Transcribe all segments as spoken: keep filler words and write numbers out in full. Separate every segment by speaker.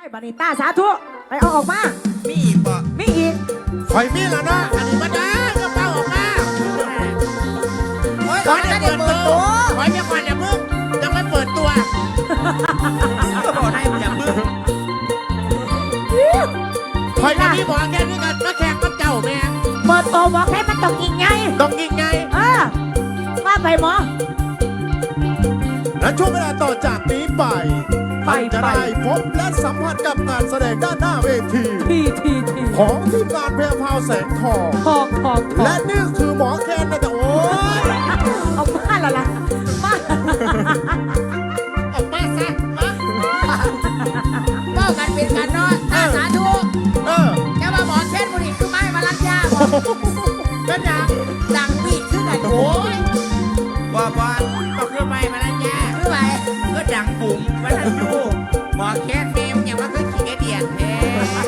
Speaker 1: บานิต้าสาธุไปเอาออกมา
Speaker 2: มีอีกบ่
Speaker 1: มีอีก
Speaker 3: คอยมีแล้วนะ
Speaker 2: อันนี้มาได้ก็เป้าออกมา
Speaker 4: โอ้ยก่อนจะเปิดตัว
Speaker 2: ขอจะก่อนอย่ามึงยังไม่เปิดตัวก็บอกให้อย่ามึงคอยกับพี่บอกแค่นี้กันมาแข่งกับเจ้าแม่
Speaker 1: เปิดตัวบอกให้มันต้องยิงไง
Speaker 2: ต้องยิงไง
Speaker 1: เออมาไปหมอ
Speaker 3: และช่วงเวลาต่อจากนี้ไปท่านจะได้พบและสัมผัสกับงานแสดงด้านหน้าเวที
Speaker 1: ทีทีที
Speaker 3: ของทีมงานเพลงพาวแสงทอง
Speaker 1: ทองทอง
Speaker 3: และนี่คือหมอแคนนะแต่โอ้ย
Speaker 1: เอามาแล้วล่ะมา
Speaker 2: ออกมาซะมาเป้ากันเป็นกันเนาะอาสาธุ
Speaker 3: เออ
Speaker 2: แกมาหมอเช่นบุรีคือไม้มาลันยาบอกเป็นอย่างดังปีกขึ้นไหนโอ้ยบ้าบ้าก็คือไม้มาลันยาคือไม้ก็ดังบุ๋มมาลันยูหมอแค่เมมอย่างว่าคือขี้กระเดียดแท้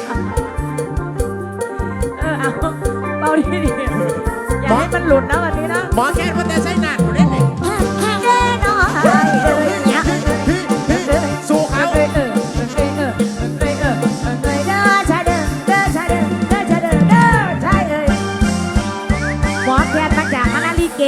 Speaker 1: เออเอาเบาดีดีอย่าให้มันหลุดนะวันนี้นะ
Speaker 2: หมอแค่ว่าแต่ใช้หนักอยู่ได้ไหม
Speaker 1: แน่นอนเนี่ย
Speaker 3: สู้เขา
Speaker 1: เออเออเออเออเออเออเออเด้อชาเด้อเด้อชาเด้อเด้อชาเด้อเด้อใช่เลยหมอแคนมาจากคณะลิเก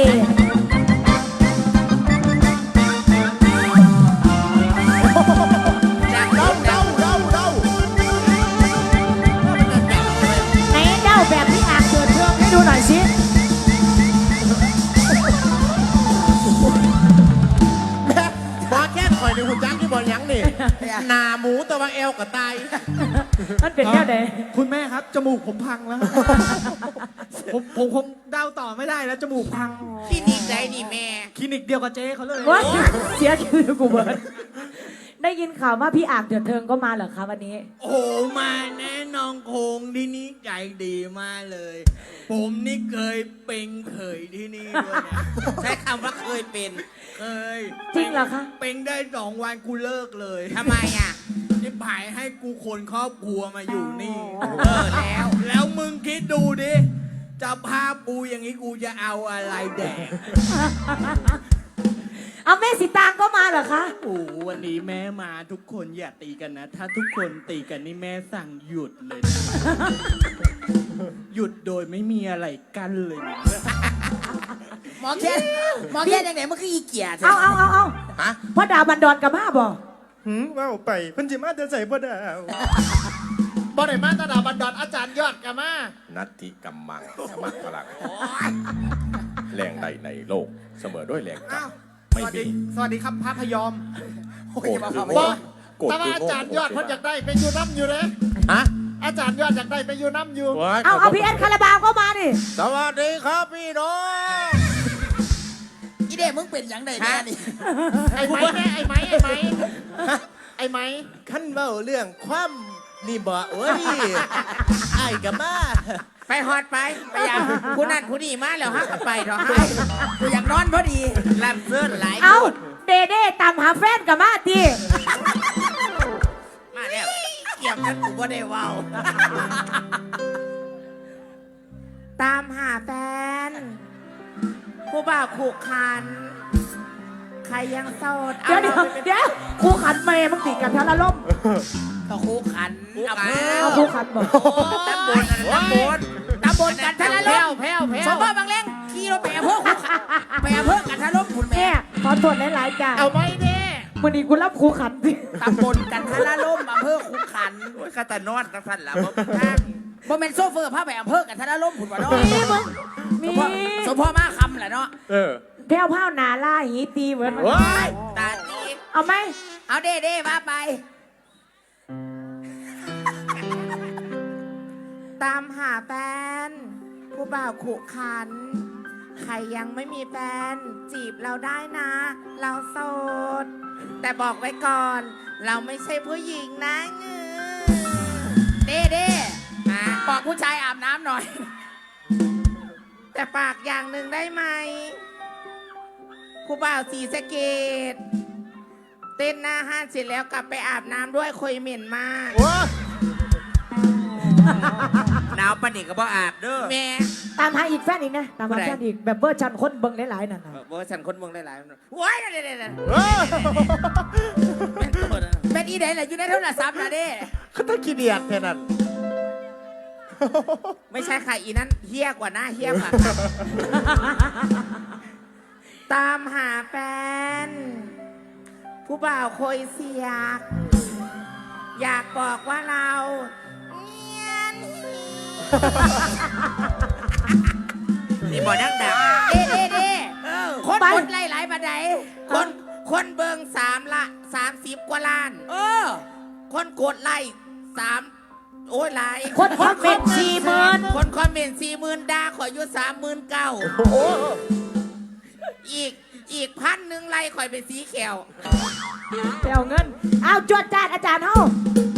Speaker 1: แบบที่อ่างเกิดเพิ่มให้ดูหน่อยสิ
Speaker 2: แม่บอแค่คอยในหุ่นจังที่บอลยังนี่หนาหมูตัวเอวกับตาย
Speaker 1: มันเป็นแค่ไหน
Speaker 4: คุณแม่ครับจมูกผมพังแล้วผมผมคงเดาต่อไม่ได้แล้วจมูกพัง
Speaker 2: คลินิกไหนนี่แม่
Speaker 4: คลินิกเดียวกับเจ๊เขาเลย
Speaker 1: เสียคิวกูเบิร์ดได้ยินข่าวว่าพี่อ่างเดือดเทิงก็มาเหรอคะวันนี้
Speaker 2: โอ้มาแน่นอนคงที่นี่ใจดีมากเลยผมนี่เคยเป็นเคยที่นี่ด้วยนะใช้คำว่าเคยเป็นเคย
Speaker 1: จริงเหรอคะ
Speaker 2: เป็นได้สองวันกูเลิกเลยทำไมอ่ะที่ผายให้กูคนครอบครัวมาอยู่นี่เออแล้วแล้วมึงคิดดูดิจะพาปูอย่างนี้กูจะเอาอะไรแดก
Speaker 1: เอาแม่สีตางก็มาเหรอคะ
Speaker 2: โอ้วันนี้แม่มาทุกคนอย่าตีกันนะถ้าทุกคนตีกันนี่แม่สั่งหยุดเลยนะหยุดโดยไม่มีอะไรกั้นเลยหมอแค่หมอแค่ยังไงมันคืออีเกีย
Speaker 1: เอาเอาเอาเอาฮะพ่อดาวบันดอนกับมาบ่
Speaker 3: หืมว่าไปเพิ่นจิมาจะใส่พ่อดาว
Speaker 2: บ่ได้มาตาดาวบันดอนอาจารย์ยอดกับมา
Speaker 5: นัตถิกัมมังสมัครพลังแรงใดในโลกเสมอด้วยแรงกรรม
Speaker 2: สวัสดีสวัสดีครับพระพยอม
Speaker 5: โกรธคือ
Speaker 2: โง่แต่ว่าอาจารย์ยอดเขาอยากได้ไปยูน้ำอยู่เลยฮะอาจารย์ยอดอยากได้ไปยูน้ำอยู่
Speaker 1: เอาเอาพี่เอ็นคาราบาวก็มาดิ
Speaker 2: สวัสดีครับพี่น้องอีเด้มึงเป็นอย่างไรแน่นี่ไอ้ไม้ไอ้ไม้ไอ้ไม้ไอ้ไม้ขั้นเบ้าเรื่องความนี่บ่เอ้ยไอ้กับมาไปฮอดไปไปอย่างคุณนั่นคุณนี่มาแล้วฮะไปเถอะให้กูอยากนอนพอดีลำเสื้อหลาย
Speaker 1: เอาเด้เด้ตามหาแฟนกับมาที
Speaker 2: มาแล้วเกี่ยวกันกูบ่ได้ว้าวตามหาแฟนผู้บ่าวขู่คันใครยังโสด
Speaker 1: เดี๋ยวเดี๋ยวเดี๋ยวคู่ขันเมย์มึงติดกันทั้งละล่ม
Speaker 2: ก็คู่ขัน
Speaker 1: เอาเอาคู่ขันบอก
Speaker 2: ตำบลตำบลตำบลกันทะละล่มแพ้วแพ้วสมพ่อบางเล้งขี่รถไปอำเภอคู่ขันไปอำเภอกันทะละล่มคุณแม่
Speaker 1: ขอตรวจหลายๆจ้า
Speaker 2: เอาไว้เด้
Speaker 1: วันนี้กูรับคู่ขันสิ
Speaker 2: ตำบลกันทะละล่มอำเภอคู่ขันโอ้ยข้าแต่นอนกันสั่นละบ่โมเมนต์โซเฟอร์พาไปอำเภอกันทะละล่มคุณว่าน้อง
Speaker 1: มีมึงมี
Speaker 2: สมพ่อมาคำแหละเนาะ
Speaker 5: เออ
Speaker 1: แพ้วพ้าวนาล่าหีตีเหมือนมัน
Speaker 2: ตาตี
Speaker 1: เอาไหม
Speaker 2: เอาเด้เด้มาไปตามหาแฟนผู้บ่าวขู่ขันใครยังไม่มีแฟนจีบเราได้นะเราโสดแต่บอกไว้ก่อนเราไม่ใช่ผู้หญิงนะเงือเด้เด้บอกผู้ชายอาบน้ำหน่อยแต่ปากอย่างหนึ่งได้ไหมผู้บ่าวสีสะเกดเต้นหน้าห้านเสร็จแล้วกลับไปอาบน้ำด้วยคุยเหม็นมากหนาวปนิกก็บ่อาบเด้อแม่
Speaker 1: ตามหาอีกแฟนอีกนะตามหาแฟนอีกแบบเวอร์ชันคนเบิ้งหลายๆนั่นนะ
Speaker 2: เวอร์ชันคนเบิ้งหลายๆว้ายเด็ดๆเป็นอีเดนแหละอยู่ในโทรศัพท์นะเด้
Speaker 3: เขาตะขี้เดียดแค่นั้น
Speaker 2: ไม่ใช่ค่ะอีนั้นเฮี้ยกว่าหน้าเฮี้ยกว่าค่ะ ตามหาแฟน ผู้บ่าวโคยเสียก อยากบอกว่าเราเนียนนี่บอกนักดับเด้เด้เด้คนกดไล่หลายบันไดคนคนเบิงสามละสามสิบกว่าล้าน เออ คนกดไล่สามโอ้ยหลาย
Speaker 1: คนคอมเมนต์สี่หมื่น
Speaker 2: คนคอมเมนต์สี่หมื่นด่าขออยู่สามหมื่นเก้าอีกอีกพันหนึ่งไล่ข่อยเป็นสีเขียว
Speaker 1: ไปเอาเงิน เอาจวดจานอาจารย์เฮา